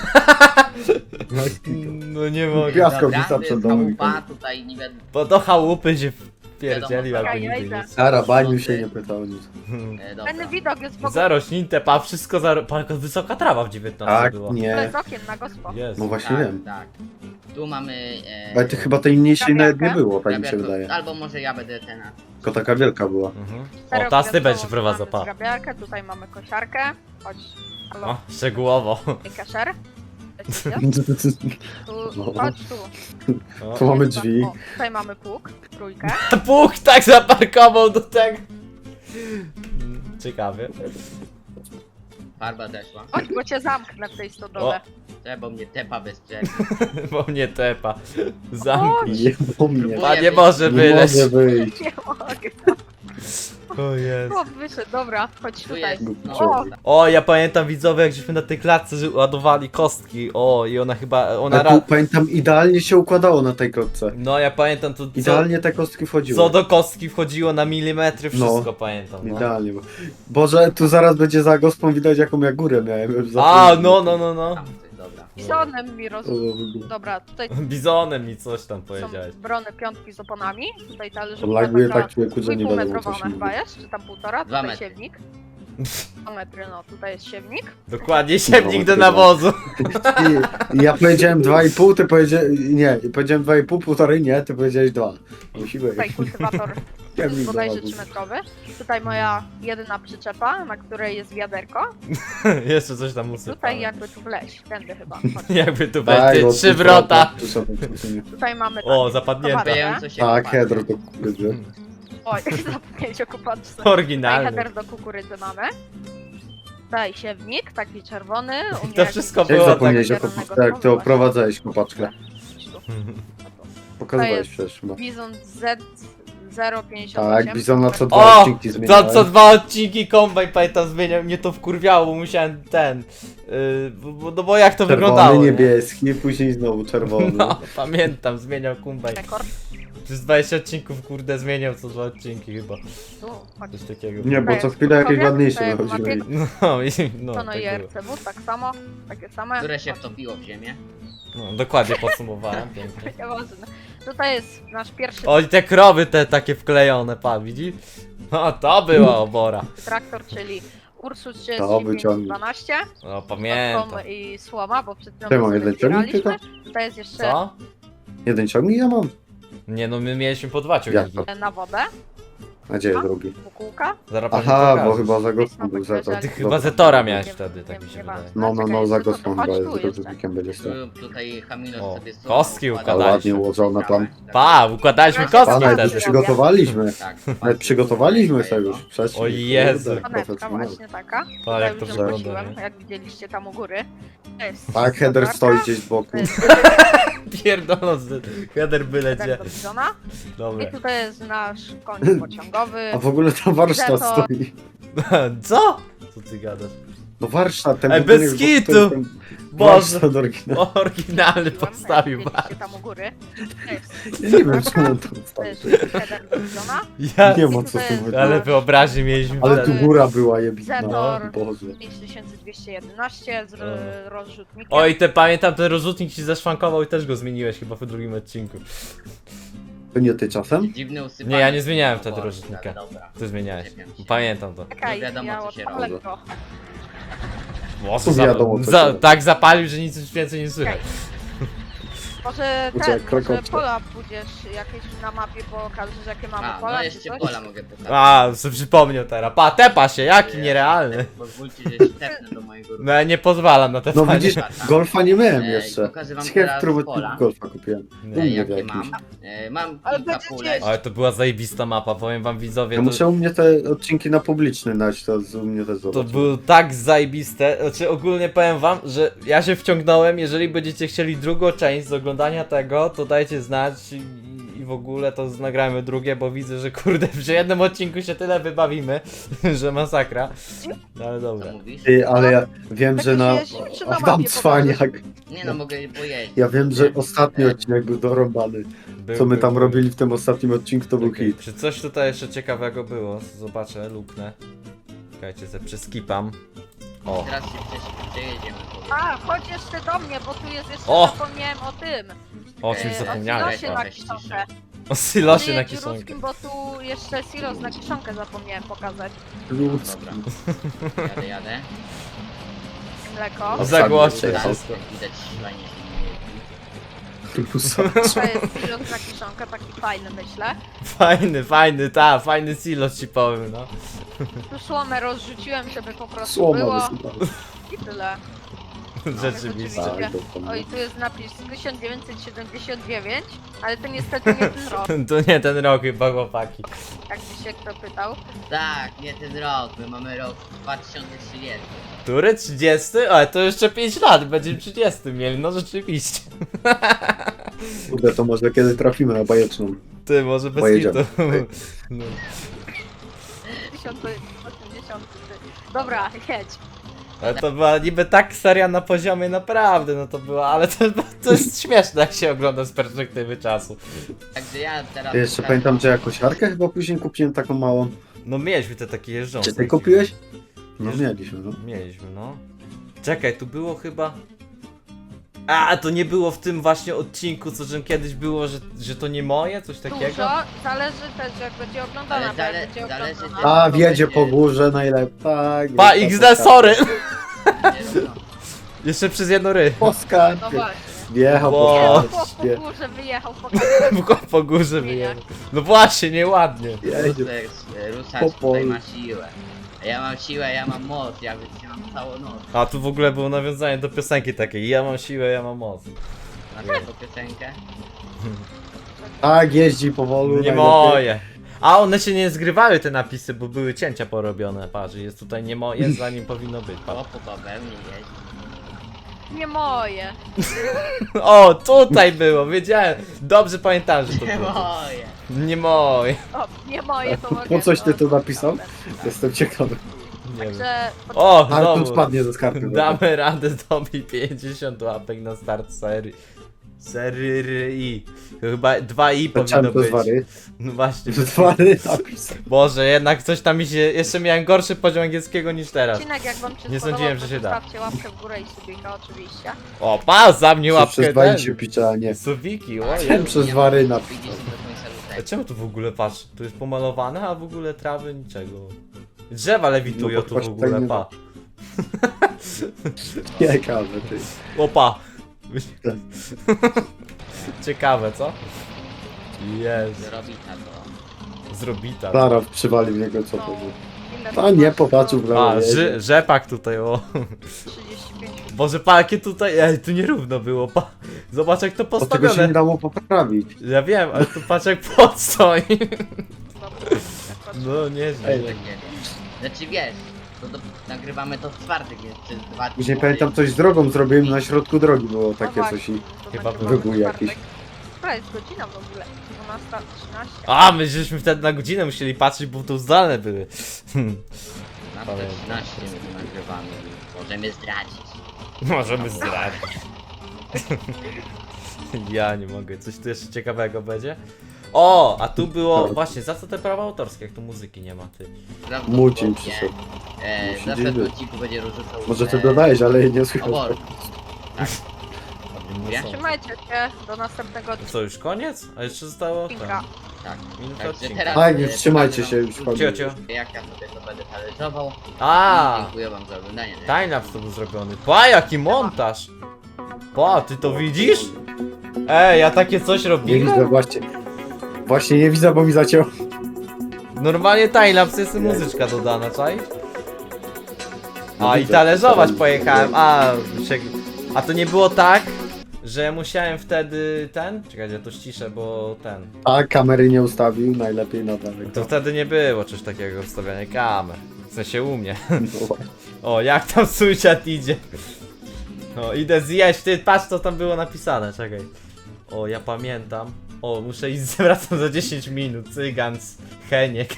Speaker 1: No nie mogę.
Speaker 2: Piasko
Speaker 3: Dobra,
Speaker 2: wisa
Speaker 3: to
Speaker 2: przed
Speaker 3: jest
Speaker 2: domem.
Speaker 3: chałupa, tutaj nie wiem,
Speaker 1: Bo do chałupy się wpierdzieli
Speaker 3: Wiadomo,
Speaker 1: albo
Speaker 4: ja
Speaker 1: nigdy
Speaker 4: idę.
Speaker 1: nie.
Speaker 2: Sara, baniu się nie pyta o nic.
Speaker 3: dobra.
Speaker 4: Ten widok jest w ogóle
Speaker 1: Zarośnięte, pa, wszystko Pa, jaka wysoka trawa w 19
Speaker 2: Tak,
Speaker 1: była.
Speaker 2: nie.
Speaker 4: z okien na gospo.
Speaker 1: Jezu.
Speaker 2: No właśnie
Speaker 3: Tak,
Speaker 2: wiem.
Speaker 3: tak. Tu mamy...
Speaker 2: Ale ty chyba tej mniejszej nawet nie
Speaker 4: Grabiarkę?
Speaker 2: było, tak mi się
Speaker 3: grabiarkę,
Speaker 2: wydaje.
Speaker 3: Albo może ja będę ten...
Speaker 2: Tylko taka wielka była.
Speaker 1: Mhm.
Speaker 4: Serio,
Speaker 1: O, teraz ty
Speaker 4: wiadomo,
Speaker 1: będziesz
Speaker 4: tu
Speaker 1: prowadzał,
Speaker 4: mamy
Speaker 1: pa.
Speaker 4: zgrabiarkę, tutaj mamy kosiarkę. Chodź. Halo,
Speaker 1: O, szczegółowo.
Speaker 4: kaszer. Tu,
Speaker 2: No.
Speaker 4: chodź tu.
Speaker 1: O.
Speaker 2: Tu mamy
Speaker 4: Jest tam-
Speaker 2: drzwi.
Speaker 4: o, tutaj mamy pług, trójkę.
Speaker 1: Puch tak zaparkował do tego. Ciekawie.
Speaker 3: Farba zeszła.
Speaker 4: Chodź, bo cię zamknę w tej stodole.
Speaker 3: Bo mnie tepa bez przerwy.
Speaker 1: Bo mnie tepa. Zamknij.
Speaker 2: Nie, bo mnie.
Speaker 3: Próbuję
Speaker 1: A nie może
Speaker 2: Nie
Speaker 1: wyleć.
Speaker 2: mogę wyjść.
Speaker 4: Nie mogę.
Speaker 1: O jest.
Speaker 4: O, wyszedł, dobra, chodź
Speaker 3: Tu
Speaker 4: tutaj.
Speaker 3: jest, no.
Speaker 4: O,
Speaker 1: O, ja pamiętam widzowie, jak żeśmy na tej klatce ładowali kostki. O, i ona chyba, ona
Speaker 2: Ale tu, pamiętam, idealnie się układało na tej klocce.
Speaker 1: No ja pamiętam to,
Speaker 2: Idealnie te kostki wchodziły.
Speaker 1: co do kostki wchodziło na milimetry, wszystko
Speaker 2: No.
Speaker 1: pamiętam. No.
Speaker 2: Idealnie. Boże, tu zaraz będzie za gospą widać, jaką ja górę miałem. Już
Speaker 1: A,
Speaker 2: zapomniałem.
Speaker 1: no.
Speaker 3: Tam coś, dobra.
Speaker 4: bizonem mi roz...
Speaker 2: O,
Speaker 4: Dobra, tutaj
Speaker 1: Bizonem mi coś tam powiedziałeś.
Speaker 4: są brony piątki z oponami. Tutaj talerzyk
Speaker 2: Laguje tak człowieku, że nie wiadomo, co
Speaker 4: metrowa
Speaker 2: się
Speaker 4: chyba
Speaker 2: mówi.
Speaker 4: jest, czy tam 1,5,
Speaker 3: 2
Speaker 4: tutaj
Speaker 3: metry.
Speaker 4: siewnik. 2 metry, no tutaj jest siewnik.
Speaker 1: Dokładnie, siewnik do
Speaker 2: chyba.
Speaker 1: nawozu.
Speaker 2: I ja powiedziałem 2,5, ty powiedziałeś... Nie, powiedziałem 2,5, półtorej, nie, ty powiedziałeś 2. Musimy...
Speaker 4: Tutaj kultywator
Speaker 2: Siewnik do
Speaker 4: bodajże
Speaker 2: nawozu.
Speaker 4: 3-metrowy. Tutaj moja jedyna przyczepa, na której jest wiaderko.
Speaker 1: Jeszcze coś tam usypałem.
Speaker 4: Tutaj jakby tu wleźć, tędy chyba. Chodź.
Speaker 1: Jakby tu
Speaker 2: Tak,
Speaker 1: będzie
Speaker 2: bo
Speaker 1: trzy
Speaker 2: tu
Speaker 1: wrota.
Speaker 2: tu są-
Speaker 4: Tutaj mamy
Speaker 1: O,
Speaker 4: tak,
Speaker 1: zapadnięte.
Speaker 4: towarę.
Speaker 3: Wiem, co się
Speaker 2: Tak,
Speaker 3: popatrzę.
Speaker 2: hedro do kukurydzy.
Speaker 4: Oj, zapomnieć o kupaczce. Tutaj
Speaker 1: Oryginalny.
Speaker 4: header do kukurydzy mamy. Tutaj siewnik, taki czerwony. u mnie
Speaker 1: To wszystko
Speaker 2: Jak
Speaker 1: było tak.
Speaker 2: zapomniałeś o kopaczce, jak ty oprowadzałeś kopaczkę? Pokazywałeś
Speaker 4: jest
Speaker 2: przecież. chyba.
Speaker 4: Bizon Z058.
Speaker 2: Tak, Bizona co dwa
Speaker 1: O!
Speaker 2: odcinki
Speaker 1: To
Speaker 2: zmieniałem.
Speaker 1: co 2 odcinki kombaj pamiętam zmieniał, mnie to wkurwiało, bo musiałem ten. No bo jak to
Speaker 2: Czerwony,
Speaker 1: wyglądało? nie?
Speaker 2: niebieski, później znowu czerwony.
Speaker 1: No, pamiętam, zmieniał kombaj.
Speaker 4: Rekord.
Speaker 1: Przez 20 odcinków, kurde, zmieniał co 2 odcinki chyba.
Speaker 4: Tu, chodź.
Speaker 1: Coś takiego.
Speaker 2: Nie, bo
Speaker 4: Tutaj
Speaker 2: co
Speaker 4: jest
Speaker 2: chwilę jakieś
Speaker 4: Piotrowiec,
Speaker 2: ładniejsze
Speaker 4: tutaj
Speaker 2: wychodziły.
Speaker 4: Mapiek,
Speaker 1: No, no,
Speaker 4: to no i
Speaker 1: tak było.
Speaker 4: RCW, tak samo, takie same.
Speaker 3: Które się
Speaker 4: Chodź.
Speaker 3: wtopiło w ziemię.
Speaker 1: No, dokładnie podsumowałem, pięknie.
Speaker 4: Nieważne. Tutaj jest nasz pierwszy
Speaker 1: O, i te krowy te takie wklejone, pan widzi? No, to była obora.
Speaker 4: traktor, czyli Ursus
Speaker 2: To wyciągnij.
Speaker 4: 3512.
Speaker 1: No, pamiętam.
Speaker 4: I słoma, bo przed chwilą
Speaker 2: Ty, mam
Speaker 4: sobie
Speaker 2: jeden ciągnik
Speaker 4: zbieraliśmy. Tutaj jest jeszcze
Speaker 1: Co?
Speaker 2: Jeden ciągnik ja mam.
Speaker 1: Nie no, my mieliśmy po 2 ciągniki.
Speaker 2: Jak
Speaker 4: na wodę,
Speaker 2: Nadzieję drugi.
Speaker 4: bukułka.
Speaker 1: Zaraz pani
Speaker 2: Aha,
Speaker 1: pokażę.
Speaker 2: bo chyba za gospą był za to.
Speaker 1: Ty chyba Zetora miałeś wtedy, tak mi się
Speaker 4: Nieważne.
Speaker 1: wydaje.
Speaker 2: No, za
Speaker 4: Czekaj,
Speaker 2: gospą
Speaker 4: chodź
Speaker 2: chyba
Speaker 4: tu
Speaker 2: jest, z
Speaker 4: jeszcze.
Speaker 2: rozrzutnikiem będzie stał.
Speaker 3: Tutaj Hamilo
Speaker 1: O,
Speaker 3: sobie
Speaker 1: kostki układaliśmy.
Speaker 2: Ładnie ułożone tam.
Speaker 1: Pa, układaliśmy
Speaker 4: Proszę
Speaker 1: kostki
Speaker 2: Pana,
Speaker 1: wtedy.
Speaker 2: już przygotowaliśmy.
Speaker 3: Tak,
Speaker 2: Nawet przygotowaliśmy sobie już wcześniej.
Speaker 1: O Jezu.
Speaker 2: Kurde,
Speaker 4: Panetka
Speaker 2: profesjonalnie.
Speaker 4: właśnie taka.
Speaker 1: Pa, jak to
Speaker 4: Tutaj już
Speaker 1: wygląda,
Speaker 4: wróciłem,
Speaker 1: nie?
Speaker 4: jak widzieliście tam u góry. To jest
Speaker 2: Tak, header
Speaker 4: solarka,
Speaker 2: stoi gdzieś z boku.
Speaker 4: to jest
Speaker 1: Pierdoląc, header byle
Speaker 4: header
Speaker 1: gdzie.
Speaker 4: do Bizona.
Speaker 1: Dobra.
Speaker 4: I tutaj jest nasz koń pociągowy.
Speaker 2: A w ogóle tam warsztat
Speaker 4: Zetor.
Speaker 2: stoi.
Speaker 1: Co? Co ty gadasz?
Speaker 2: No warsztat, ten
Speaker 1: Ej,
Speaker 2: budynek,
Speaker 1: bez
Speaker 2: bo
Speaker 1: kitu!
Speaker 2: to jest ten
Speaker 1: Boże,
Speaker 2: warsztat oryginalny.
Speaker 1: oryginalny
Speaker 4: Jak
Speaker 1: postawił
Speaker 4: widzieliście
Speaker 1: bar.
Speaker 4: tam u góry. To jest
Speaker 2: Ja nie wiem, czemu on tam
Speaker 4: To
Speaker 2: stoi.
Speaker 4: jest header do Bizona.
Speaker 1: Ja,
Speaker 2: Nie ma co z tym
Speaker 4: Ale
Speaker 2: chodzi.
Speaker 1: ale wyobraźnię mieliśmy
Speaker 2: Ale
Speaker 1: wtedy.
Speaker 2: tu góra była jebitna.
Speaker 4: Zetor.
Speaker 2: Boże.
Speaker 4: 5211 z rozrzutnikiem.
Speaker 1: Oj, te pamiętam, ten rozrzutnik ci zeszwankował i też go zmieniłeś chyba w drugim odcinku.
Speaker 2: To nie ty czasem?
Speaker 3: Dziwny usypany.
Speaker 1: Nie, ja nie zmieniałem
Speaker 3: O
Speaker 1: wtedy
Speaker 3: Boże,
Speaker 1: rozrzutnika.
Speaker 3: Dobra.
Speaker 1: Ty zmieniałeś.
Speaker 3: Czepiam się.
Speaker 1: Pamiętam to.
Speaker 4: Czekaj,
Speaker 3: No wiadomo,
Speaker 4: ja
Speaker 3: co się
Speaker 4: odpalę
Speaker 2: robi.
Speaker 4: go.
Speaker 1: Włosy
Speaker 2: Wiadomo, co się-
Speaker 1: tak zapalił, że nic już więcej nie słychać.
Speaker 4: Może
Speaker 2: Uciekł,
Speaker 4: ten, może
Speaker 2: krokocze.
Speaker 4: pola pójdziesz jakieś na mapie pokażesz jakie mamy
Speaker 3: A,
Speaker 4: pola
Speaker 3: no
Speaker 4: czy
Speaker 3: jeszcze
Speaker 4: coś?
Speaker 3: pola mogę pokazać.
Speaker 1: A, sobie przypomniał teraz. Pa, tepa się, jaki nierealny.
Speaker 3: Pozwólcie, że się tepnę do mojego
Speaker 1: No ja nie pozwalam na te
Speaker 2: No
Speaker 1: panie.
Speaker 2: widzisz, golfa nie miałem
Speaker 3: Ej,
Speaker 2: jeszcze.
Speaker 3: pokażę wam
Speaker 2: Ciekawe,
Speaker 3: teraz
Speaker 2: w którym
Speaker 3: pola.
Speaker 2: odcinku golfa kupiłem.
Speaker 1: Nie.
Speaker 2: U mnie
Speaker 3: Jakie
Speaker 2: jakiś.
Speaker 3: mam? Mam
Speaker 4: Ale
Speaker 3: kilka
Speaker 4: będziecie
Speaker 3: pólek.
Speaker 4: jeść.
Speaker 1: Ale to była zajebista mapa, powiem wam widzowie.
Speaker 2: Ja
Speaker 1: To,
Speaker 2: muszę u mnie te odcinki na publiczny dać, to u mnie też
Speaker 1: to
Speaker 2: zobaczyć.
Speaker 1: było tak zajebiste. Znaczy ogólnie powiem wam, że ja się wciągnąłem. Jeżeli będziecie chcieli drugą część z oglądania tego, to dajcie znać i w ogóle to nagrajmy drugie, bo widzę, że kurde, przy jednym odcinku się tyle wybawimy, że masakra. No ale dobra.
Speaker 3: Co mówisz?
Speaker 2: Ty, ale ja wiem,
Speaker 4: Tak
Speaker 2: że
Speaker 4: się
Speaker 2: na...
Speaker 4: jeździ, czy na
Speaker 2: Tam
Speaker 4: mapie
Speaker 2: cwaniak.
Speaker 3: Nie no, mogę pojeździć.
Speaker 2: Ja wiem, że ostatni odcinek był dorąbany. Co my tam robili w tym ostatnim odcinku, to był
Speaker 1: Okej,
Speaker 2: hit.
Speaker 1: Czy coś tutaj jeszcze ciekawego było? Zobaczę, luknę. Czekajcie, se przeskipam. O,
Speaker 3: Teraz się przejedziemy.
Speaker 4: A, chodź jeszcze do mnie, bo tu jest jeszcze,
Speaker 1: O!
Speaker 4: zapomniałem o tym.
Speaker 1: o czymś
Speaker 3: o
Speaker 1: zapomniałem.
Speaker 4: O silosie na
Speaker 3: Weź
Speaker 4: kiszonkę.
Speaker 1: O silosie na
Speaker 4: Przyjedź
Speaker 1: kiszonkę.
Speaker 4: ruskim, bo tu jeszcze silos na kiszonkę zapomniałem pokazać.
Speaker 2: Ludzki.
Speaker 3: Dobra. Jadę.
Speaker 4: Mleko.
Speaker 1: Zagłoście
Speaker 2: Tak.
Speaker 1: wszystko.
Speaker 3: Widać fajnie się
Speaker 4: To jest silos na kiszonkę, taki fajny myślę.
Speaker 1: Fajny silos ci powiem, no.
Speaker 4: Tu słomę rozrzuciłem, żeby po prostu
Speaker 2: Słoma
Speaker 4: było
Speaker 2: wysypała.
Speaker 4: i tyle.
Speaker 1: Rzeczywiście.
Speaker 4: Tak.
Speaker 2: Tak, to
Speaker 4: Oj, tu jest napis 1979, ale to niestety nie ten rok,
Speaker 1: To nie ten rok chyba, chłopaki.
Speaker 4: jakby się kto pytał.
Speaker 3: Tak, nie ten rok, my mamy rok 2030.
Speaker 1: Który? 30? Ale to jeszcze 5 lat, będziemy 30 mieli, no rzeczywiście.
Speaker 2: Kurde, to może kiedy trafimy na bajeczną.
Speaker 1: Ty, może bez
Speaker 2: Pojedziemy.
Speaker 1: hitu. No.
Speaker 4: 2080. Dobra, jedź.
Speaker 1: Ale to była niby tak seria na poziomie naprawdę, no to była, ale to jest śmieszne jak się ogląda z perspektywy czasu.
Speaker 3: Także ja teraz...
Speaker 2: Jeszcze pamiętam, że ja kosiarkę chyba później kupiłem taką małą.
Speaker 1: No mieliśmy te takie jeżdżące.
Speaker 2: Czy ty kupiłeś? No mieliśmy, no.
Speaker 1: Mieliśmy, no. Czekaj, tu było chyba... A, to nie było w tym właśnie odcinku, co że kiedyś było, że to nie moje, coś takiego?
Speaker 4: Dużo, zależy też jak będzie oglądana,
Speaker 3: Ale
Speaker 4: bo jak
Speaker 3: zale-
Speaker 4: będzie
Speaker 3: zależy
Speaker 4: oglądana.
Speaker 2: A, wiedzie po górze najlepiej. Tak.
Speaker 1: Pa,
Speaker 2: jest
Speaker 1: XD,
Speaker 2: ta
Speaker 1: sorry!
Speaker 3: Nie, no.
Speaker 1: Jeszcze przez jedno ry.
Speaker 2: Po skarpie.
Speaker 4: No właśnie.
Speaker 2: Wjechał
Speaker 1: Bo-
Speaker 2: po
Speaker 4: Po
Speaker 2: skarpie.
Speaker 4: górze wyjechał
Speaker 1: Po górze wyjechał. No właśnie, nieładnie.
Speaker 2: Jedzie.
Speaker 3: Rusacz
Speaker 2: Po
Speaker 3: tutaj
Speaker 2: polu.
Speaker 3: ma siłę. A ja mam siłę, ja mam moc, ja wytrzymam całą noc.
Speaker 1: A tu w ogóle było nawiązanie do piosenki takiej, ja mam siłę, ja mam moc.
Speaker 3: Na tą piosenkę.
Speaker 2: Tak, jeździ powolu.
Speaker 1: Nie
Speaker 2: najlepiej.
Speaker 1: moje. A one się nie zgrywały te napisy, bo były cięcia porobione, patrz, jest tutaj nie moje, zanim powinno być,
Speaker 3: O,
Speaker 1: patrz.
Speaker 3: po bawełnie jeździ.
Speaker 4: Nie moje.
Speaker 1: O, tutaj było, wiedziałem, dobrze pamiętałem, że to
Speaker 3: Nie
Speaker 1: było.
Speaker 3: moje.
Speaker 1: Nie moje.
Speaker 4: O, nie moje to mogę.
Speaker 2: Po coś ty to napisał?
Speaker 4: Dobra.
Speaker 2: Jestem ciekawy.
Speaker 1: Nie wiem.
Speaker 4: Także
Speaker 1: O,
Speaker 2: Ale tu
Speaker 1: znowu.
Speaker 2: spadnie ze skarpy.
Speaker 1: Damy radę zdobyć 50 łapek na start serii. Serii. Chyba 2i powinno
Speaker 2: Zacząłem to
Speaker 1: być.
Speaker 2: zwary.
Speaker 1: No właśnie.
Speaker 2: Zwary napis.
Speaker 1: Boże, jednak coś tam mi się... Jeszcze miałem gorszy poziom angielskiego niż teraz.
Speaker 4: odcinek jak wam się
Speaker 1: Nie
Speaker 4: spodobał,
Speaker 1: sądziłem,
Speaker 4: to
Speaker 1: że się da.
Speaker 4: zostawcie łapkę w górę i subika oczywiście.
Speaker 1: O, pa, za mnie łapkę
Speaker 2: Przez
Speaker 1: ten.
Speaker 2: zwary się pisze, a nie.
Speaker 1: Suwiki,
Speaker 2: Chciałem przez zwary napis.
Speaker 3: Widzisz do końca
Speaker 1: A
Speaker 3: lutego.
Speaker 1: czemu tu w ogóle, patrz, tu jest pomalowane, a w ogóle trawy niczego. Drzewa lewitują
Speaker 2: No,
Speaker 1: tu w
Speaker 2: patrz,
Speaker 1: ogóle,
Speaker 2: tak nie
Speaker 1: pa.
Speaker 2: Ciekawe, ty.
Speaker 1: Opa. Ciekawe, co? Jest.
Speaker 3: Zrobita to.
Speaker 1: Zrobita.
Speaker 2: Zaraz przywali w niego, co to
Speaker 4: No,
Speaker 2: było.
Speaker 4: inne
Speaker 2: A nie, popatrzył w lewo.
Speaker 1: A,
Speaker 2: jedzie.
Speaker 1: rzepak tutaj, o.
Speaker 4: 35.
Speaker 1: Boże, pa, jakie tutaj, tu nierówno było, pa. Zobacz jak to
Speaker 2: Bo tego się
Speaker 1: postawione.
Speaker 2: nie dało poprawić.
Speaker 1: Ja wiem, ale tu patrz jak podstoi. No
Speaker 2: Ej,
Speaker 1: nieźle.
Speaker 3: Takie. Znaczy wiesz, nagrywamy to w czwartek, więc przez 2 dni.
Speaker 2: Później pamiętam coś z drogą zrobiłem, na środku drogi było takie coś i...
Speaker 1: Chyba
Speaker 2: wybój jakiś.
Speaker 4: Która jest godzina w ogóle? 12:13.
Speaker 1: A, my żeśmy wtedy na godzinę musieli patrzeć, bo tu zdalne były.
Speaker 3: Na te 13 my to nagrywamy. Możemy zdradzić.
Speaker 1: Możemy zdradzić. Ja nie mogę, coś tu jeszcze ciekawego będzie? O, a tu było, właśnie, za co te prawa autorskie, jak tu muzyki nie ma, ty?
Speaker 2: Mucin przyszedł.
Speaker 3: W następnym odcinku będzie rozrzucał.
Speaker 2: Może ty dodajesz, ale nie słychać.
Speaker 3: Obor. Tak.
Speaker 1: No
Speaker 3: Ja?
Speaker 1: co?
Speaker 4: Trzymajcie się, do następnego
Speaker 1: To co, już koniec? A jeszcze zostało
Speaker 4: odcinka.
Speaker 3: Tak.
Speaker 1: minuta
Speaker 3: Także
Speaker 1: odcinka.
Speaker 3: teraz,
Speaker 2: Tak, już
Speaker 3: e,
Speaker 2: trzymajcie
Speaker 3: pokażę
Speaker 2: się,
Speaker 3: wam
Speaker 2: już
Speaker 3: krótko,
Speaker 1: Cio, cio.
Speaker 3: Jak ja sobie to będę talerzował.
Speaker 1: A,
Speaker 3: I dziękuję wam za oglądanie.
Speaker 1: timelapse to był zrobiony. Pa, jaki montaż! Pa, ty to widzisz? Ej, ja takie coś
Speaker 2: Nie
Speaker 1: robiłem?
Speaker 2: widzę właśnie. Właśnie nie widzę, bo mi zacięło.
Speaker 1: Normalnie timelapse jest muzyczka dodana, czaisz?
Speaker 2: No
Speaker 1: A i
Speaker 2: widzę.
Speaker 1: talerzować pojechałem, a to nie było tak, że ja musiałem wtedy czekajcie, ja to ściszę, bo
Speaker 2: A kamery nie ustawił, najlepiej na daleko.
Speaker 1: to wtedy nie było czegoś takiego wstawiania kamer, w sensie u mnie.
Speaker 2: No,
Speaker 1: O, jak tam sąsiad idzie. O, idę zjeść, ty patrz co tam było napisane, czekaj. O, ja pamiętam. O, muszę iść, wracam za 10 minut, cygans, Heniek.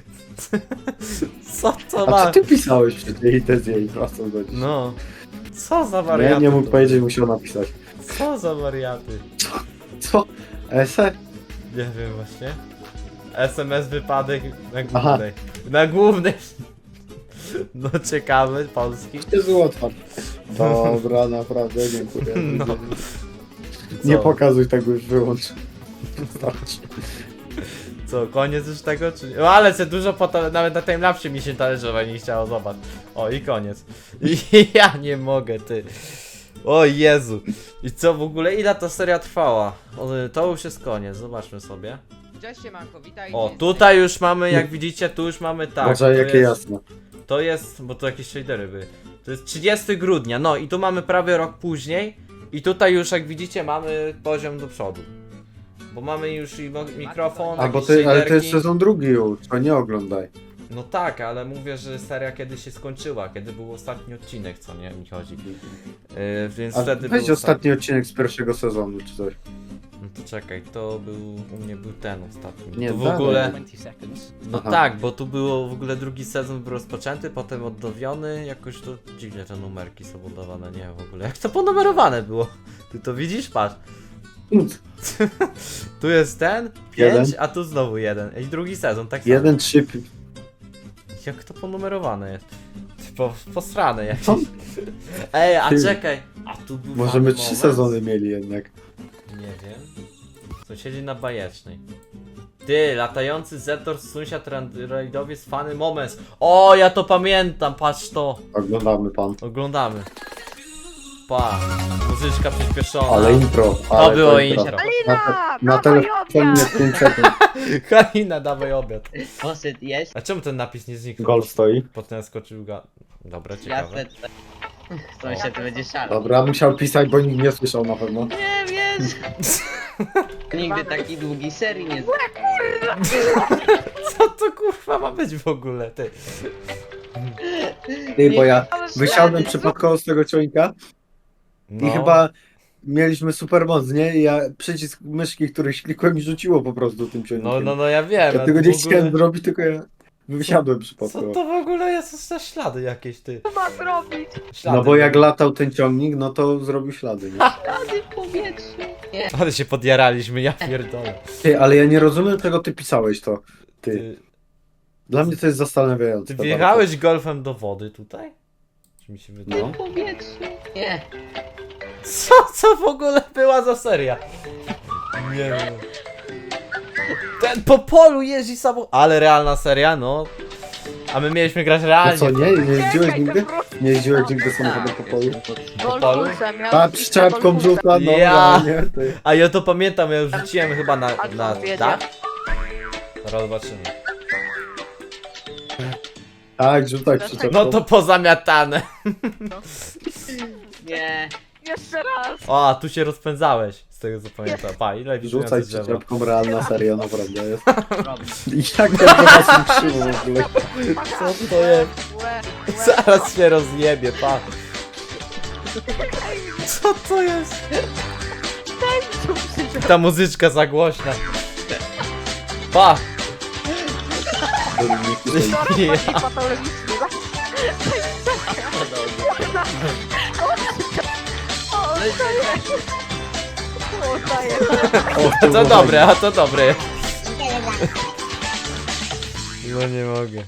Speaker 1: Co to
Speaker 2: A
Speaker 1: ma?
Speaker 2: co ty pisałeś przecież i te zjeść wracam do dziś.
Speaker 1: No. Co za
Speaker 2: Nie,
Speaker 1: wariaty?
Speaker 2: nie mógł
Speaker 1: to-
Speaker 2: powiedzieć, musiał napisać.
Speaker 1: Co za wariaty?
Speaker 2: Co? Ese?
Speaker 1: Nie wiem właśnie. SMS wypadek na
Speaker 2: Aha.
Speaker 1: głównej. Na głównej. No ciekawy, polski.
Speaker 2: Jest otwarte. Dobra, naprawdę, dziękuję.
Speaker 1: No.
Speaker 2: Nie
Speaker 1: Co?
Speaker 2: pokazuj tego, już wyłącz. Starczy.
Speaker 1: Co, koniec już tego czy nie? No ale se dużo nawet na timelapsie mi się talerzować nie chciało, zobacz. O i koniec. I ja nie mogę, ty. O Jezu. I co w ogóle, ile ta seria trwała? O, to już jest koniec, zobaczmy sobie.
Speaker 5: Cześć Siemanko, witajcie.
Speaker 1: O, tutaj już mamy, jak widzicie, tu już mamy tak.
Speaker 2: Może
Speaker 1: to
Speaker 2: jakie
Speaker 1: jest,
Speaker 2: jasne.
Speaker 1: To jest, bo to jakieś shadery były. To jest 30 grudnia, no i tu mamy prawie rok później. I tutaj już, jak widzicie, mamy poziom do przodu. Bo mamy już i mikrofon,
Speaker 2: A bo
Speaker 1: jakieś
Speaker 2: ty, ale to jest
Speaker 1: shaderki.
Speaker 2: sezon drugi już, to nie oglądaj.
Speaker 1: No tak, ale mówię, że seria kiedy się skończyła, kiedy był ostatni odcinek, co nie mi chodzi. Więc
Speaker 2: A
Speaker 1: wtedy
Speaker 2: weź
Speaker 1: był
Speaker 2: ostatni odcinek z pierwszego sezonu, czy coś.
Speaker 1: No to czekaj, to był, u mnie był ten ostatni.
Speaker 2: Nie,
Speaker 1: tu w
Speaker 2: dalej.
Speaker 1: ogóle,
Speaker 5: 20 seconds.
Speaker 1: no
Speaker 2: Aha.
Speaker 1: tak, bo tu było w ogóle drugi sezon był rozpoczęty, potem odnowiony, jakoś to dziwnie te numerki są podawane, nie wiem w ogóle, jak to ponumerowane było. Ty to widzisz? Patrz. Tu jest ten, 5,
Speaker 2: Jeden.
Speaker 1: a tu znowu jeden. I drugi sezon, tak samo.
Speaker 2: 1, 3,
Speaker 1: Jak to ponumerowane jest? Posrane jakieś.
Speaker 2: Co?
Speaker 1: Ej, a
Speaker 2: Ty.
Speaker 1: czekaj. A tu był
Speaker 2: może
Speaker 1: fajny
Speaker 2: my 3
Speaker 1: moment.
Speaker 2: sezony mieli jednak.
Speaker 1: Nie wiem. Sąsiedzi na bajecznej. Ty, latający Zetor, sąsiad rajdowiec, fany Moments. O, ja to pamiętam, patrz to.
Speaker 2: Oglądamy pan.
Speaker 1: Oglądamy. Pa, muzyczka przyspieszona.
Speaker 2: Ale impro.
Speaker 1: To
Speaker 2: ale
Speaker 1: było
Speaker 2: impro.
Speaker 1: intro.
Speaker 2: Na
Speaker 4: dawaj
Speaker 2: telefonie
Speaker 4: obiad!
Speaker 2: 5 sekund.
Speaker 1: Halina, dawaj obiad.
Speaker 3: Posyt jest.
Speaker 1: A czemu ten napis nie zniknął?
Speaker 2: Gol stoi.
Speaker 1: Potem skoczył Dobra,
Speaker 3: Ja
Speaker 1: ciekawe.
Speaker 3: se... Sąsiad będzie szalał.
Speaker 2: Dobra, musiał pisać, bo nikt nie słyszał na pewno.
Speaker 3: Nie wiesz. Nigdy takiej długiej serii nie
Speaker 1: Co to kurwa ma być w ogóle, ty?
Speaker 2: Ty, bo ja
Speaker 4: Ale
Speaker 2: wysiadłem
Speaker 4: ślady,
Speaker 2: przypadkowo z tego ciągnika
Speaker 1: No.
Speaker 2: i chyba mieliśmy super moc, nie? I ja przycisk myszki, który klikłem i rzuciło po prostu tym ciągnikiem.
Speaker 1: No ja wiem.
Speaker 2: Ja
Speaker 1: a
Speaker 2: tego
Speaker 1: tu
Speaker 2: nie
Speaker 1: w ogóle-
Speaker 2: chciałem zrobić, tylko ja wysiadłem
Speaker 1: Co
Speaker 2: przypadkowo.
Speaker 1: to w ogóle jest za ślady jakieś, ty?
Speaker 4: Co ma zrobić?
Speaker 1: Ślady.
Speaker 2: No bo jak latał ten ciągnik, no to zrobił ślady, nie?
Speaker 3: Rady w powietrzu. Nie.
Speaker 1: Ale się podjaraliśmy, ja pierdolę.
Speaker 2: Ty, ale ja nie rozumiem, czego ty pisałeś to. Ty.
Speaker 1: Ty,
Speaker 2: Dla mnie to jest zastanawiające.
Speaker 1: ty wjechałeś golfem do wody tutaj? Czy mi się wydaje?
Speaker 2: No.
Speaker 3: W powietrzu. Nie.
Speaker 1: Co w ogóle była za seria? Nie wiem. Ten po polu jeździ samochód. Ale realna seria, no. A my mieliśmy grać
Speaker 2: No
Speaker 1: realnie.
Speaker 2: co, nie? Nie jeździłeś
Speaker 4: Czekaj,
Speaker 2: nigdy?
Speaker 4: to wróć.
Speaker 2: Nie jeździłeś nigdy samochodem po polu?
Speaker 1: polu?
Speaker 4: Golfusem, ja
Speaker 2: A,
Speaker 4: już
Speaker 2: przyczepką
Speaker 4: golfusem.
Speaker 2: rzuca, no
Speaker 1: Ja.
Speaker 2: nie? Ty.
Speaker 1: A ja to pamiętam, ja już rzuciłem chyba na
Speaker 4: A co wiedzie?
Speaker 1: dach. Zaraz zobaczymy.
Speaker 2: Tak, rzucaj przyczepką.
Speaker 1: No to pozamiatane.
Speaker 3: Nie.
Speaker 4: Jeszcze raz.
Speaker 1: O, a tu się rozpędzałeś. Z tego co pamiętam. Pa, ile
Speaker 2: Rzucaj
Speaker 1: widzę drzewa.
Speaker 2: przyczepką, realna seria, naprawdę jest.
Speaker 3: Robi.
Speaker 2: I jak to was nie krzywo w ogóle.
Speaker 1: Co to jest? Zaraz się rozjebie, pa. Co to jest? Ta muzyczka za głośna. Pa!
Speaker 2: Dominik,
Speaker 1: Ja.
Speaker 2: O,
Speaker 1: To dobre, a to dobre. No nie mogę.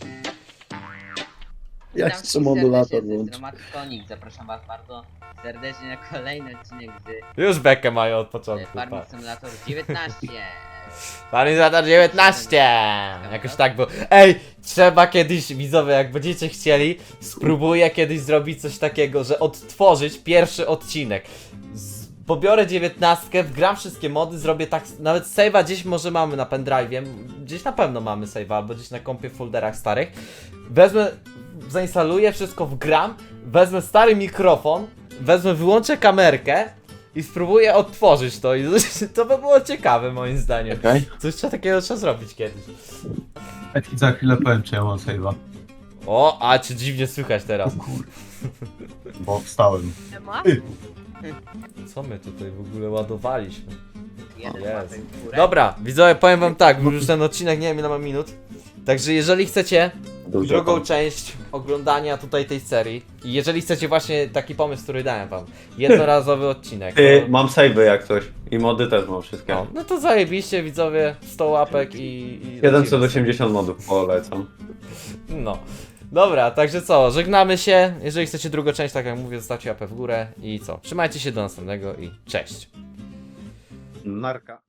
Speaker 2: Ja
Speaker 3: Witam
Speaker 2: jeszcze modulator
Speaker 3: serdecznie,
Speaker 2: włączę.
Speaker 3: Dramatykonik. Zapraszam was bardzo serdecznie na kolejny odcinek z
Speaker 1: Już bekę mają od początku. Pa.
Speaker 3: Farming Simulator 19.
Speaker 1: Paralizator 19! Jakoś tak było. Ej, trzeba kiedyś, widzowie, jak będziecie chcieli, spróbuję kiedyś zrobić coś takiego, że odtworzyć pierwszy odcinek. Pobiorę 19, wgram wszystkie mody, zrobię tak, nawet save'a gdzieś może mamy na pendrive'ie, gdzieś na pewno mamy save'a, albo gdzieś na kompie w folderach starych. Wezmę, zainstaluję, wszystko wgram, wezmę stary mikrofon, wyłączę kamerkę i spróbuję odtworzyć to i to by było ciekawe moim zdaniem.
Speaker 2: Okej.
Speaker 1: Coś takiego trzeba zrobić kiedyś.
Speaker 6: Ja ci za chwilę powiem, czy ja mam save'a.
Speaker 1: O, a cię dziwnie słychać teraz.
Speaker 6: Bo wstałem.
Speaker 4: Nie ma?
Speaker 1: Co my tutaj w ogóle ładowaliśmy?
Speaker 3: Jeden
Speaker 1: Jezu.
Speaker 3: łapek w górę.
Speaker 1: Dobra, widzowie, powiem wam tak, już ten odcinek nie wiem ile ma minut. Także jeżeli chcecie
Speaker 2: Dobrze,
Speaker 1: drugą
Speaker 2: pan.
Speaker 1: część oglądania tutaj tej serii i jeżeli chcecie właśnie taki pomysł, który dałem wam, jednorazowy odcinek,
Speaker 7: Mam save'y jak coś. I mody też mam wszystkie.
Speaker 1: no to zajebiście widzowie, 100 łapek i
Speaker 7: 780 modów polecam.
Speaker 1: No. Dobra, także co, żegnamy się. Jeżeli chcecie drugą część, tak jak mówię, zostawcie łapę w górę i co. Trzymajcie się do następnego i cześć.
Speaker 2: Narka.